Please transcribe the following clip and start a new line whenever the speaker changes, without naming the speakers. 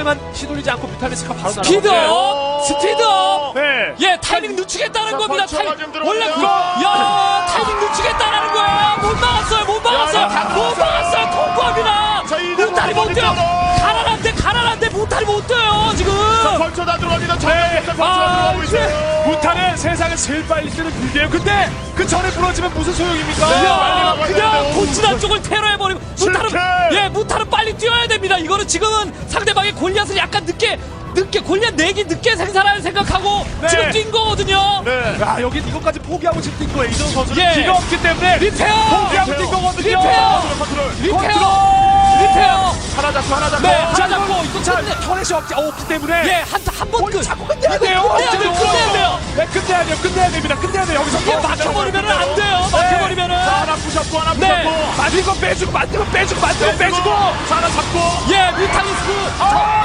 타이밍만 휘둘리지 않고 뮤탈리스크가 바로
스피드업! 스피드업!
네.
예, 타이밍 늦추겠다는 겁니다.
벌처가 좀
원래
들어가요.
야, 타이밍 늦추겠다는 거예요. 못 막았어요. 못 막았어요. 못 막았어요. 통과합니다.
자, 이제
무탈이 못 뛰어요. 가난한데 무탈이 못 뛰어요. 지금.
벌쳐 다 들어갑니다. 벌쳐가
아,
들어가고 있어요.
무탈은 세상에 제일 빨리 쓰는 빌드예요. 근데 그 전에 부러지면 무슨 소용입니까?
야,
빨리
그냥
나가야 돼요.
본진한 쪽을 테러해버리고 무탈은
실패!
무탈은 빨리 뛰어야 됩니다. 이거는 지금은 상대방의 골리앗을 약간 늦게 골리앗 내기 늦게 생산할 생각하고
네.
지금 뛴 거거든요.
네.
야, 여기 이것까지 포기하고 지금 뛴 거예요. 이정 선수는
예.
기가 없기 때문에
리페어!
포기하고 뛴 거거든요.
리페어!
컨트롤.
리페어!
하나 잡고.
네, 하나 잡고 이거
자,
끝내.
터렛이 없기 때문에
예, 한번 끝.
자꾸 끝내야 돼요.
끝내야 돼요. 끝내야 돼요.
네, 끝내야 됩니다. 끝내야 돼요. 여기서
이게 막혀버리면 안 돼요. 막혀버리면은.
하나 부셨고 하나
네.
부셨고.
만든 거 빼주고 만든 거 빼주고 만든 거 빼주고
하나 잡고.
예, 뮤탈리스크.